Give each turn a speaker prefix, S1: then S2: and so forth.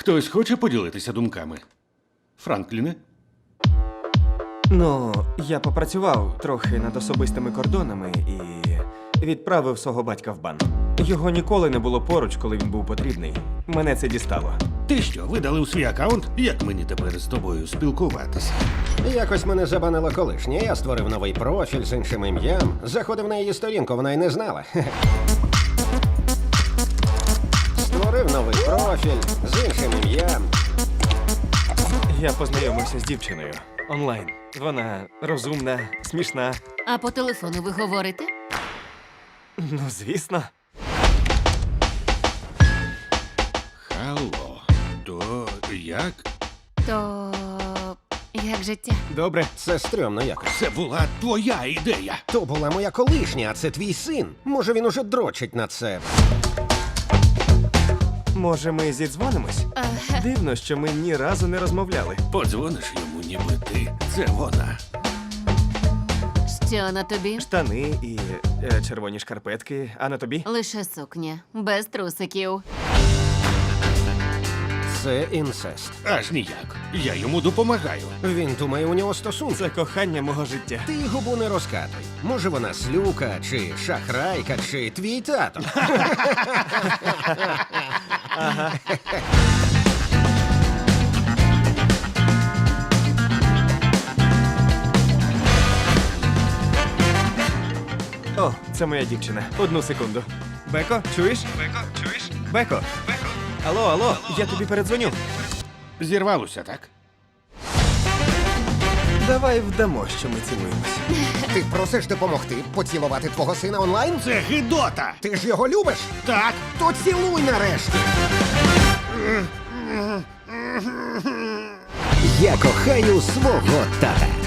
S1: Хтось хоче поділитися думками? Франкліне?
S2: Ну, я попрацював трохи над особистими кордонами і відправив свого батька в бан. Його ніколи не було поруч, коли він був потрібний. Мене це дістало.
S1: Ти що, видалив свій аккаунт? Як мені тепер з тобою спілкуватися?
S3: Якось мене забанила колишня. Я створив новий профіль з іншим ім'ям. Заходив на її сторінку, вона й не знала. Створив новий профіль з іншим ім'ям.
S2: Я познайомився з дівчиною онлайн. Вона розумна, смішна.
S4: А по телефону ви говорите?
S2: Ну, звісно.
S1: Алло, то як?
S4: То як життя?
S2: Добре.
S3: Це стрьомно якось.
S1: Це була твоя ідея.
S3: То була моя колишня, а це твій син. Може, він уже дрочить на це.
S2: Може, ми зідзвонимось? Дивно, що ми ні разу не розмовляли.
S1: Подзвониш йому, ніби ти. Це вона.
S4: Що на тобі?
S2: Штани і червоні шкарпетки, а на тобі?
S4: Лише сукня, без трусиків.
S3: Це інцест.
S1: Аж ніяк. Я йому допомагаю.
S3: Він думає, у нього стосунки.
S2: Це кохання мого життя.
S3: Ти губу не розкатуй. Може, вона слюка, чи шахрайка, чи твій тато.
S2: О, це моя дівчина. Одну секунду. Беко, чуєш? Беко, чуєш? Беко. Беко. Алло, я тобі передзвоню.
S1: Зірвалося, так?
S2: Давай вдамо, що ми цілуємось.
S3: Ти просиш допомогти поцілувати твого сина онлайн?
S1: Це гидота!
S3: Ти ж його любиш?
S1: Так!
S3: То цілуй нарешті. Я кохаю свого тата.